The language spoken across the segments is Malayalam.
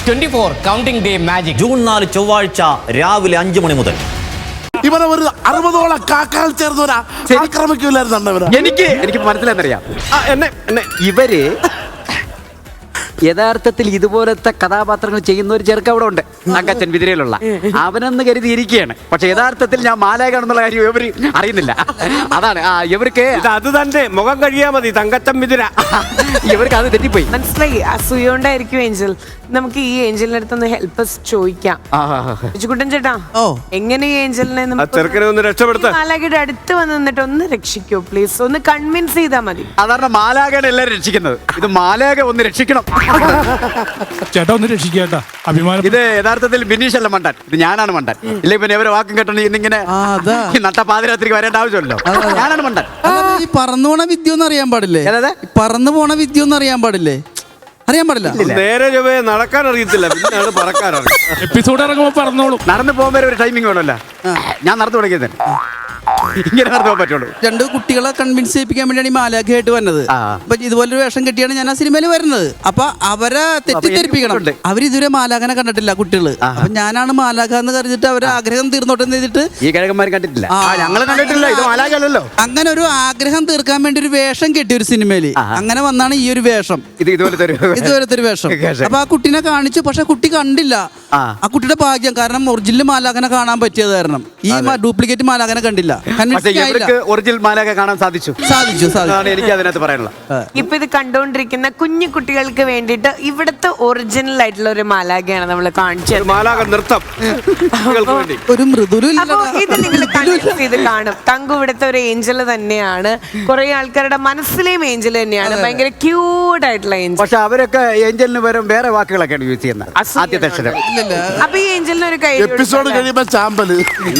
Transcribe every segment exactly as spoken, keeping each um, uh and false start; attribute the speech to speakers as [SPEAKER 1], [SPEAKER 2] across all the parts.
[SPEAKER 1] Twenty four counting day magic
[SPEAKER 2] June നാല് ചൊവ്വാഴ്ച രാവിലെ അഞ്ചു മണി മുതൽ.
[SPEAKER 3] ഇവരെ ഒരു അറുപതോളം കാക്കകൾ ചേർന്നവരാ ആക്രമിക്കൂലായിരുന്നു.
[SPEAKER 4] എനിക്ക് എനിക്ക് മനസ്സിലായെന്നറിയാം. എന്നെ എന്നെ ഇവര് യഥാർത്ഥത്തിൽ ഇതുപോലത്തെ കഥാപാത്രങ്ങൾ ചെയ്യുന്ന ഒരു ചെറുക്ക അവിടെ ഉണ്ട്, തങ്കച്ചൻ വിതിരയിലുള്ള. അവനെന്ന് കരുതിയിരിക്കുകയാണ്. പക്ഷെ യഥാർത്ഥത്തിൽ ഞാൻ മാലാകാണെന്നുള്ള കാര്യം ഇവര് അറിയുന്നില്ല. അതാണ് ആ ഇവർക്ക്
[SPEAKER 5] അത് തന്നെ മുഖം കഴിയാ മതി തങ്കച്ചൻ വിതിര.
[SPEAKER 4] ഇവർക്ക് അത് തെറ്റിപ്പോയി.
[SPEAKER 6] മനസ്സിലായി. അസൂയോണ്ടായിരിക്കും ഏഞ്ചൽ. നമുക്ക് ഈ ഏഞ്ചലിന്റെ അടുത്തൊന്ന് ഹെൽപ്പ് ചോദിക്കാം. കുട്ടൻ ചേട്ടാ, എങ്ങനെ ഈ ഏഞ്ചലിനെ
[SPEAKER 5] ചെറുക്കനെ ഒന്ന് രക്ഷപ്പെടുത്ത
[SPEAKER 6] മാലാഖയുടെ അടുത്ത് വന്ന് നിന്നിട്ട് ഒന്ന് രക്ഷിക്കോ പ്ലീസ്, ഒന്ന് കൺവിൻസ് ചെയ്താൽ മതി.
[SPEAKER 4] സാധാരണ മാലാഖയാണ് എല്ലാവരും രക്ഷിക്കുന്നത്, ഇത് മാലാഖ ഒന്ന് രക്ഷിക്കണം.
[SPEAKER 7] ചേട്ടാ ഒന്ന് രക്ഷിക്കേട്ടാ, അഭിമാനം.
[SPEAKER 4] ഇത് യഥാർത്ഥത്തിൽ ബിനീഷ് അല്ല മണ്ടൻ, ഇത് ഞാനാണ് മണ്ടൻ. ഇല്ലെങ്കിൽ പിന്നെ ഇവരെ വാക്കും കേട്ടോ ഇന്നിങ്ങനെ നട്ട പാതിരാത്രിക്ക് വരേണ്ട ആവശ്യമല്ലോ. ഞാനാണ് മണ്ടൻ.
[SPEAKER 8] ഈ പറന്നു പോണ വിദ്യ ഒന്നും അറിയാൻ പാടില്ലേ? പറന്നു പോണ വിദ്യ ഒന്നും അറിയാൻ പാടില്ലേ? അറിയാൻ പാടില്ല.
[SPEAKER 5] നേരെ ചൊവ്വേ നടക്കാൻ അറിയത്തില്ല, പിന്നെയാണ് പറക്കാൻ അറിയാം.
[SPEAKER 7] എപ്പിസോഡ് ഇറങ്ങുമ്പോ പറഞ്ഞോളൂ.
[SPEAKER 4] നടന്നു പോകുമ്പോൾ ഒരു ടൈമിംഗ് വേണമല്ലോ. ഞാൻ നടന്നു തുടങ്ങിയത് ഇങ്ങനെ നടന്നു പോകാൻ പറ്റുള്ളൂ.
[SPEAKER 8] രണ്ട് കുട്ടികളെ കൺവിൻസ് ചെയ്യിപ്പിക്കാൻ വേണ്ടിയാണ് ഈ മാലാഖയായിട്ട് വന്നത്. അപ്പൊ ഇതുപോലൊരു വേഷം കെട്ടിയാണ് ഞാൻ ആ സിനിമയിൽ വരുന്നത്. അപ്പൊ അവരെ തെറ്റിദ്ധരിപ്പിക്കണം. അവരിതുവരെ മാലാഖനെ കണ്ടിട്ടില്ല കുട്ടികള്. അപ്പൊ ഞാനാണ് മാലാഖ എന്ന് കരുതിട്ട് അവരെ ആഗ്രഹം തീർന്നോട്ടെ എന്ന് ചെയ്തിട്ട്
[SPEAKER 4] ഈ കിഴക്കന്മാർ കണ്ടിട്ടില്ല, ഞങ്ങൾ കണ്ടിട്ടില്ല. ഇത് മാലാഖല്ലോ.
[SPEAKER 8] അങ്ങനെ ഒരു ആഗ്രഹം തീർക്കാൻ വേണ്ടി ഒരു വേഷം കെട്ടി ഒരു സിനിമയില്. അങ്ങനെ വന്നാണ് ഈ ഒരു വേഷം.
[SPEAKER 4] ഇത് ഇതുപോലത്തെ ഒരു
[SPEAKER 8] ഇതുപോലത്തെ ഒരു വേഷം. അപ്പൊ ആ കുട്ടീനെ കാണിച്ചു, പക്ഷെ കുട്ടി കണ്ടില്ല. ആ കുട്ടിയുടെ ഭാഗ്യം, കാരണം ഒറിജിനൽ മാലാഖനെ കാണാൻ പറ്റിയത് കാരണം ഈ ഡ്യൂപ്ലിക്കേറ്റ് മാലാഖനെ കണ്ടില്ല.
[SPEAKER 4] ഒറിജിനൽ മാലാഖ കാണാൻ സാധിച്ചു
[SPEAKER 8] സാധിച്ചു
[SPEAKER 4] സാധിച്ചു എനിക്ക് അതിനകത്ത് പറയാനുള്ള.
[SPEAKER 6] ഇപ്പൊ ഇത് കണ്ടുകൊണ്ടിരിക്കുന്ന കുഞ്ഞു കുട്ടികൾക്ക് വേണ്ടിയിട്ട് ഇവിടുത്തെ ഒറിജിനൽ ആയിട്ടുള്ള ഒരു മാലാഖയാണ് നമ്മൾ കാണിച്ചത്.
[SPEAKER 5] മാലാഖ നൃത്തം
[SPEAKER 8] ഒരു മൃദുല.
[SPEAKER 6] അപ്പൊ ഇത് നിങ്ങൾ കൺവിൻസ് ചെയ്ത് കാണും. തങ്കു ഇവിടുത്തെ ഒരു ഏഞ്ചൽ തന്നെയാണ്, കുറെ ആൾക്കാരുടെ മനസ്സിലെയും ഏഞ്ചൽ തന്നെയാണ്, ഭയങ്കര ക്യൂട്ട് ആയിട്ടുള്ള ഏഞ്ചൽ.
[SPEAKER 4] പക്ഷെ അവരൊക്കെ ഏഞ്ചലിന് പകരം വേറെ വാക്കുകളൊക്കെയാണ് യൂസ് ചെയ്യുന്നത്. ആദ്യത്തെ അക്ഷരം.
[SPEAKER 6] അപ്പൊ ഈ ഏഞ്ചലിന് ഒരു കൈ
[SPEAKER 3] എപ്പിസോഡ് കഴിയുമ്പോ ചാമ്പല്.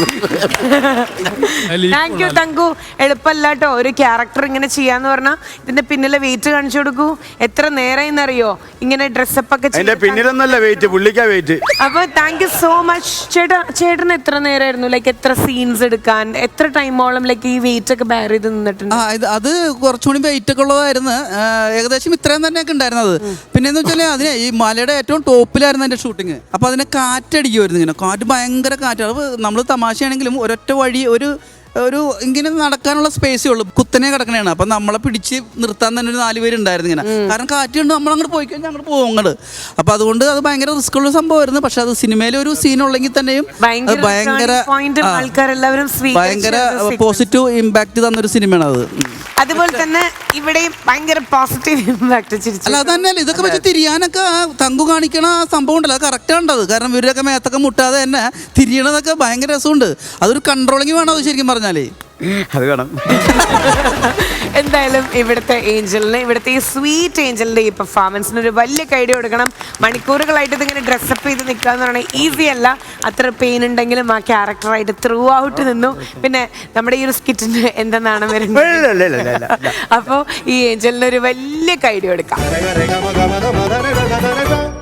[SPEAKER 6] Thank you Thanku. എളുപ്പമല്ല കേട്ടോ ഒരു ക്യാരക്ടർ ഇങ്ങനെ ചെയ്യാന്ന് പറഞ്ഞാൽ. ഇതിന്റെ പിന്നിലെ വെയിറ്റ് കാണിച്ചു കൊടുക്കൂ. എത്ര നേരം അറിയോ ഇങ്ങനെ ഡ്രസ്സപ്പ് ഒക്കെ
[SPEAKER 5] എന്റെ പിന്നിലൊന്നല്ല വെയിറ്റ്, പുള്ളിക്കാ വെയിറ്റ്.
[SPEAKER 6] അപ്പൊ താങ്ക് യു സോ മച്ച് ചേട്ടാ. ചേട്ടന് എത്ര നേരമായിരുന്നു ലൈക്ക് എത്ര സീൻസ് എടുക്കാൻ, എത്ര ടൈമോളം ലൈക്ക് ഈ വെയിറ്റ് ഒക്കെ ബെയർ ചെയ്ത് നിന്നിട്ടുണ്ട്?
[SPEAKER 8] അത് കുറച്ചുകൂടി വെയിറ്റ് ഒക്കെ ഉള്ളതായിരുന്നു. ഏകദേശം ഇത്രയും തന്നെയൊക്കെ ഉണ്ടായിരുന്നത്. പിന്നെ എന്ന് വെച്ചാൽ അതിന് ഈ മലയുടെ ഏറ്റവും ടോപ്പിലായിരുന്നു എന്റെ ഷൂട്ടിങ്. അപ്പൊ അതിനെ കാറ്റടിക്കുമായിരുന്നു. ഇങ്ങനെ കാറ്റ് ഭയങ്കര കാറ്റാണ്. അപ്പൊ നമ്മൾ തമാശയാണെങ്കിലും ഒരൊറ്റ വഴി ഒരു ഒരു ഇങ്ങനെ നടക്കാനുള്ള സ്പേസേ ഉള്ളൂ. കുത്തനെ കിടക്കണേണ്. അപ്പം നമ്മളെ പിടിച്ച് നിർത്താൻ തന്നെ ഒരു നാല് പേരുണ്ടായിരുന്നു ഇങ്ങനെ. കാരണം കാറ്റ് കൊണ്ട് നമ്മൾ അങ്ങോട്ട് പോയി കഴിഞ്ഞാൽ അങ്ങോട്ട് പോകും അങ്ങോട്ട്. അപ്പം അതുകൊണ്ട് അത് ഭയങ്കര റിസ്ക് ഉള്ള സംഭവമായിരുന്നു. പക്ഷെ അത് സിനിമയിൽ ഒരു സീൻ ഉള്ളെങ്കിൽ തന്നെയും ഭയങ്കര ഭയങ്കര പോസിറ്റീവ് ഇമ്പാക്ട് തന്നൊരു സിനിമയാണ് അത്.
[SPEAKER 6] അതുപോലെ തന്നെ ഇവിടെയും ഭയങ്കര പോസിറ്റീവ് ഇമ്പാക്ട്.
[SPEAKER 8] അല്ല അത് തന്നെയല്ല, ഇതൊക്കെ വെച്ച് തിരിയാനൊക്കെ തങ്കു കാണിക്കണ സംഭവം ഉണ്ടല്ലോ, അത് കറക്റ്റ് ആണ്ടത്. കാരണം ഇവരൊക്കെ മേത്തൊക്കെ മുട്ടാതെ തന്നെ തിരിയണതൊക്കെ ഭയങ്കര രസമുണ്ട്. അതൊരു കൺട്രോളിങ് വേണം അത് ശരിക്കും പറഞ്ഞാലേ.
[SPEAKER 4] അത് വേണം.
[SPEAKER 6] എന്തായാലും ഇവിടുത്തെ ഏഞ്ചലിന്, ഇവിടുത്തെ ഈ സ്വീറ്റ് ഏഞ്ചലിന്റെ ഈ പെർഫോമൻസിന് ഒരു വലിയ കൈഡി കൊടുക്കണം. മണിക്കൂറുകളായിട്ട് ഇതിങ്ങനെ ഡ്രസ്സപ്പ് ചെയ്ത് നിൽക്കുക എന്ന് പറഞ്ഞാൽ ഈസി അല്ല. അത്ര പെയിൻ ഉണ്ടെങ്കിലും ആ ക്യാരക്ടറായിട്ട് ത്രൂ ഔട്ട് നിന്നു. പിന്നെ നമ്മുടെ ഈ ഒരു സ്കിറ്റിന് എന്തെന്നാണ് വരുന്നത്. അപ്പോൾ ഈ ഏഞ്ചലിന് ഒരു വലിയ കൈഡി കൊടുക്കാം.